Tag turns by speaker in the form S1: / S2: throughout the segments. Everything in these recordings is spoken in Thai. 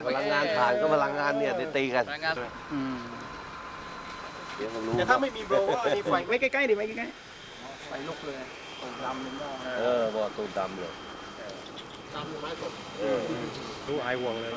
S1: พลังงานผ่านก็พลังงานเนี่ยตีกันเดี๋ยวผมรู้
S2: แต่ถ้าไม่มีโบรว์อันนี้ไฟไว้ใกล้ๆดิไว้ใกล้ๆไฟลุกเลยตูดดำเลย
S1: บ่ตูดดำเลย
S2: ดำไม้สด
S3: ดูไอวงเลย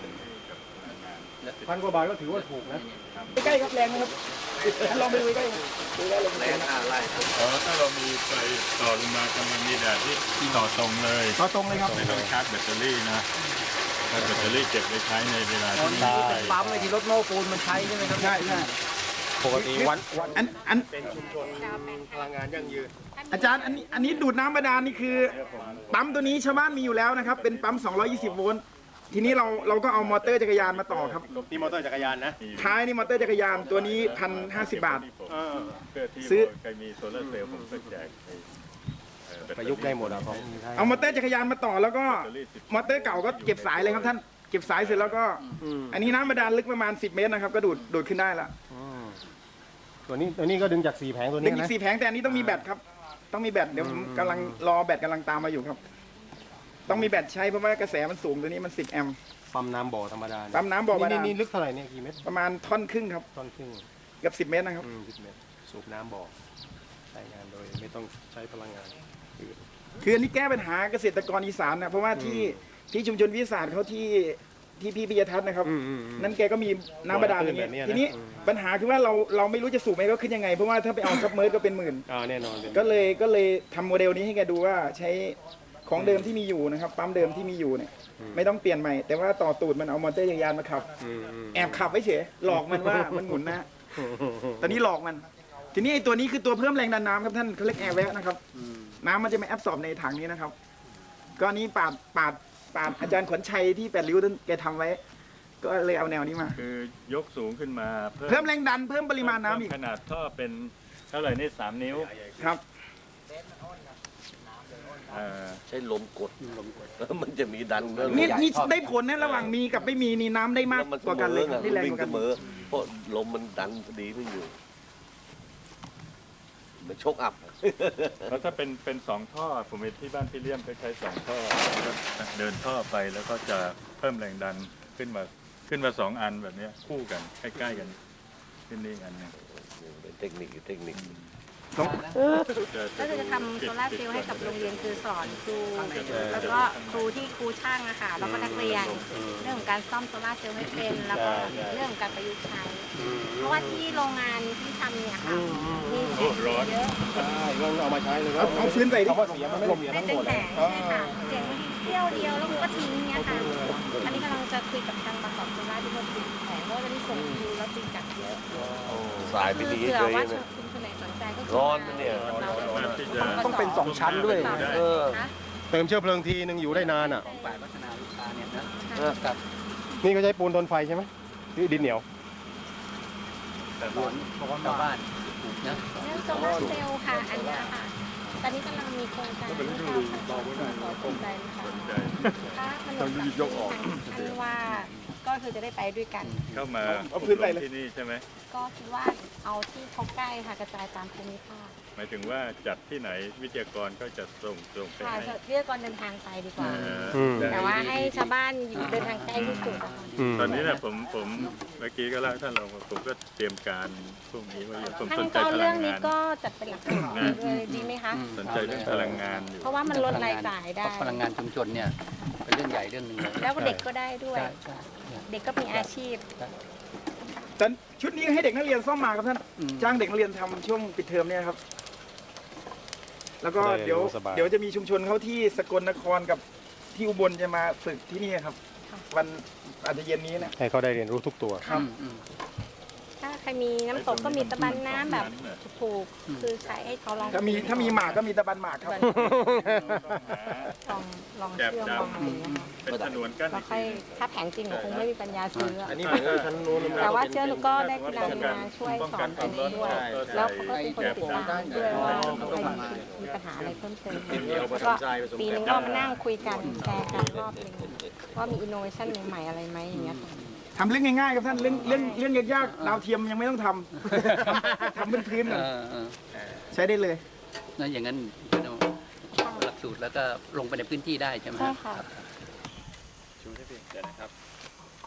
S2: 1,000 กว่าบาทก็ถือว่าถูกนะใกล้ๆครับแรงนะครับลองไปดูใกล้ๆ
S1: แรงอะไร
S3: ถ้าเรามีไฟต่อลงมากำลังมีแดดที่ต่อตรงเลย
S2: ต่อตรงเลยครับ
S3: ไม่ต้องชาร์จแบตเตอรี่นะถ้าแบตเตอรี่เก็บไว้ใช้ในเวลาที่ไม่
S2: ได้ปั๊มไอ้ที่รถโม้ปูนมันใช้ใช่ไหมครับใช่ปกติวัน
S1: เป็นชุมชนพลังงานยั่งยืน
S2: อาจารย์อันนี้ดูดน้ำบาดาลนี่คือปั๊มตัวนี้ชาวบ้านมีอยู่แล้วนะครับเป็นปั๊ม220 โวลต์ทีนี้เราก็เอามอเตอร์จักรยานมาต่อครับ
S1: นี่มอเตอร์จักรยานนะ
S2: ท้ายนี่มอเตอร์จักรยานตัวนี้1,050 บาท
S3: ซื้อใครมีโซลาร์เซลล์ผมก็แจก
S1: ประยุกต์ได้หมด
S2: เอามอเตอร์จักรยานมาต่อแล้วก็มอเตอร์เก่าก็เก็บสายเลยครับท่านเก็บสายเสร็จแล้วก็อันนี้น้ำบาดาลลึกประมาณ10 เมตรนะครับก็ดูดขึ้นได้ละ
S1: ตัวนี้ก็ดึงจาก4 แผงตัวนี้นะ
S2: ดึงจาก4 แผงแต่อันนี้ต้องมีแบตครับต้องมีแบตเดี๋ยวผมกำลังรอแบตกำลังตามมาอยู่ครับต้องมีแบตใช้เพราะว่ากระแสมันสูงตัวนี้มัน10 แอมป์
S1: ปั๊มน้ำบ่อธรรมดา
S2: ปั๊มน้ำบ่อบาดาล
S1: นี่ลึกเท่าไหร่เนี่ยกี่เมตร
S2: ประมาณท่อนครึ่งครับ
S1: ท่อนครึ่ง
S2: เกือบ10 เมตรนะครับ
S1: 10 เมตรสูบน้ำบ่อใช้งานโดยไม่ต้องใช้พลังงาน
S2: คืออันนี้แก้ปัญหาเกษตรกรอีสานนะเพราะว่าที่ชุมชนวิสาหเขาที่พี่ปิยทัศน์นะครับนั่นแกก็มีน้ำบาดาลอย่างเงี้ยทีนี้ปัญหาคือว่าเราไม่รู้จะสูบไหมก็ขึ้นยังไงเพราะว่าถ้าไปเอาซับเมอร์ก็เป็นหมื่น
S1: แน่นอน
S2: ก็เลยทำโมเดลนี้ให้แกดูว่าใช้ของเดิมที่มีอยู่นะครับปั๊มเดิมที่มีอยู่เนี่ยไม่ต้องเปลี่ยนใหม่แต่ว่าต่อตูดมันเอามอเตอร์จักรยานมาขับแอบขับไว้เฉยหลอกมันว่ามันหมุนนะตอนนี้หลอกมันทีนี้ไอ้ตัวนี้คือตัวเพิ่มแรงดันน้ำครับท่านเขาเรียกแอร์แวะนะครับน้ำมันจะไม่แอบสอบในถังนี้นะครับก็นี้ปาดอาจารย์ขวัญชัยที่8 ริ้วท่านแกทำไว้ก็เลยเอาแนวนี้มา
S3: คือยกสูงขึ้นมา
S2: เพิ่มแรงดันเพิ่มปริมาณน้ำอีก
S3: ขนาดท่อเป็นเท่าไหร่นี่3 นิ้ว
S2: ครับ
S1: ใช้ลมกดแล้วมันจะมีดัน
S2: นี่ได้ผลนะระหว่างมีกับไม่มีนี่น้ำได้มากกว่ากันเลย
S1: ได้แรงกว่ากันเพราะลมมันดันดีไม่อยู่มันชกอับ
S3: แล้วถ้าเป็น2 ท่อผมเห็นที่บ้านพี่เลี้ยมเขาใช้2 ท่อเดินท่อไปแล้วก็จะเพิ่มแรงดันขึ้นมา2 อันแบบนี้คู่กันใกล้ๆกันขึ้นนี่อันนึง
S1: เป็นเทคนิค
S4: ก็จะทำโซล่าร์เซลล์ให้กับโรงเรียนคือสอนครูแล้วก็ครูที่ครูช่างอะค่ะแล้วก็นักเรียนเรื่องของการซ่อมโซล่าร์เซลล์ให้เป็นแล้วก็เรื่องของการประยุกต์ใช้เพราะว่าที่โรงงานที่ทำเนี่ยค่ะมีเสียงเยอะ
S1: ก็เอามาใช้เลย
S2: เอาฟื้นใส่ดิ
S1: เพราะเสียมันไม่ลม
S4: ทั้งหมดเลยใช่ค่ะเสียงเที่ยวเดียวแล้วก็ทิ้งเนี่ยค่ะอันนี้กำลังจะคุยกับทางบางกอกโซล่าที่เขาติดแผงเพราะว่าจะมีส่งคิวแล้วติดจัดเยอะ
S1: สายไม่ดีเลยร้อนนะเนี่ย
S2: ต้องเป็น2 ชั้นด้วย
S1: เติมเชื้อเพลิงทีนึงอยู่ได้นานอ่ะนี่ก็ใช้ปูนทนไฟใช่ไหมนี่ดินเหนียว
S4: แต่ร้อนเพราะว่าชาวบ้านเรื่องโซลาร์เซลล์ค่ะอันนี้ค่ะตอนนี้กำลังมีโครงการที่เราขอสนใจนะคะถ้ามันลงยกออกอันว่าก็คือจะได้ไปด้วยกัน
S3: เข้ามา
S2: เอาพื้นไปเลย
S3: ที่นี่ใช่ไหม
S4: ก็คิดว่าเอาที่เขาใกล้ค่ะกระจายตามภูมิภาค
S3: หมายถึงว่าจัดที่ไหนวิทยากรก็จะส่งไป
S4: ให้วิทยากรเดินทางไปดีกว่าแต่ว่าให้ชาวบ้านเดินทางใกล้ที่สุด
S3: ตอนนี้นะผมเมื่อกี้ก็เล่าท่านเราผมก็เตรียมการพวกนี้ว่าผมสนใจพลังงาน
S4: เรื่องนี้ก็จัดเป็นหลักสูตรเลยดีไหมคะ
S3: สนใจเรื่องพลังงานอยู่
S4: เพราะว่ามันลดรายจ่ายได้
S5: พลังงานชุมชนเนี่ยเป็นเรื่องใหญ่เรื่องนึง
S4: แล้วเด็กก็ได้ด้วยเด็กก็มีอาชีพ
S2: แต่ชุดนี้ให้เด็กนักเรียนซ่อมมาครับท่านจ้างเด็กนักเรียนทำช่วงปิดเทอมเนี่ยครับแล้วก็เดี๋ยวจะมีชุมชนเขาที่สกลนครกับที่อุบลจะมาฝึกที่นี่ครับวันอาจจะเย็นนี้นะ
S1: ให้เขาได้เรียนรู้ทุกตัว
S2: ครับ
S4: ถ้าใครมีน้ำตกก็มีตะบันน้ำแบบถูกคือใช้ให้เขาลอง
S2: ถ้ามีหมากก็มีตะบันหมากครับ
S4: ลองเชื่อมลองอะไรอย่างเงี้ย
S3: เป็นถนนกั้น
S4: แล้วค่อยถ้าแผงจริงคงไม่มีปัญญาซื้อ
S1: อันนี้เหมือนชั้นนู้น
S4: แต่ว่าเชื่อหนูก็ได้กีฬามาช่วยสอนตรงนี้ด้วยแล้วเขาก็เป็นคนติดตามด้วยว่ามีปัญหาอะไรเพิ่มเติมแล้วก็ปีนึงก็มานั่งคุยกันแชร์กันรอบนึงว่ามีอินโนเวชั่นใหม่ๆอะไรไหมอย่างเงี้ย
S2: ทำเรื่องง่ายๆครับท่านเรื่องยากๆดาวเทียมยังไม่ต้องทำพื้นๆก่อนใช้ได้เลย
S5: นั่นอย่างนั้นหลักสูตรแล้วก็ลงไปในพื้นที่ได้ใช่ไหม
S4: ใช่ค่ะ
S3: ชูให้พี่เดี๋ยวนะครับ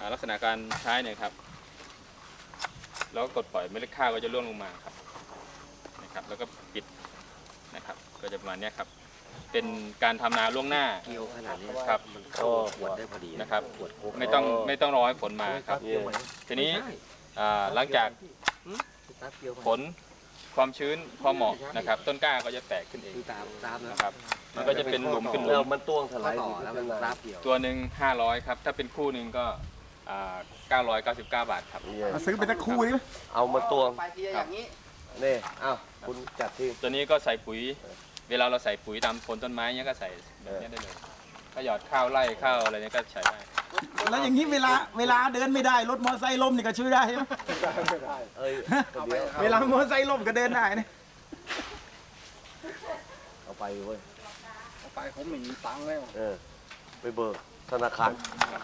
S6: ลักษณะการใช้เนี่ยครับแล้วก็กดปล่อยเมล็ดข้าวก็จะร่วงลงมาครับนะครับแล้วก็ปิดนะครับก็จะประมาณเนี้ยครับเป็นการทำนาล่วงหน้า
S7: เกี่ยวขนาดนี้
S6: ครับ
S7: ก็ขวดได้พอดี
S6: นะครับ
S7: ขวดโค้ก
S6: ไม่ต้องรอให้ฝนมาครับทีนี้หลังจากฝนความชื้นพอเหมาะนะครับ ต้นกล้าก็จะแตกขึ้นเอง
S7: ตามนะ
S6: นะครับมันก็จะเป็นหลุมขึ้นหลุ
S7: แล้ว
S6: ม
S7: มันต้วงถลาย
S5: ต่อแล้วมันรับเกี่ยว
S6: ตัวหนึ่ง500ครับถ้าเป็นคู่หนึ่งก็999 บาทครับ
S2: มาซื้อไปสักคู่ดิ
S7: เอามาต้วง
S5: ไปทีอย่างนี้
S7: นี่อ้าวคุณจัดที่
S6: ตัวนี้ก็ใส่ปุ๋ย เวลาเราใส่ปุ๋ยตามโคนต้นไม้เนี้ยก็ใส่แบบนี้ได้เลยก็หยอดข้าวไร่ข้าวอะไรเนี้ยก็ใช้ได้
S2: แล้วอย่างนี้เวลาเดินไม่ได้รถมอเตอร์ไซค์ล้มนี่ก็ช่วยได้ใช่ไหม
S7: เอ้ยเดี๋ยว
S2: เวลามอเตอร์ไซค์ล้มก็เดินได้นะ
S7: เอาไปเว้ย
S5: ไปผมไม่มีตังค์แล้ว
S7: ไปเบิกธนาคาร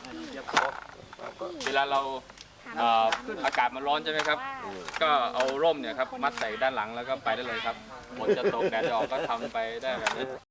S6: เวลาเราอากาศมันร้อนใช่ไหมครับ ก็เอาร่มเนี่ยครับมัดใส่ด้านหลังแล้วก็ไปได้เลยครับฝนจะตกแดดจะออกก็ทำไปได้แบบนี้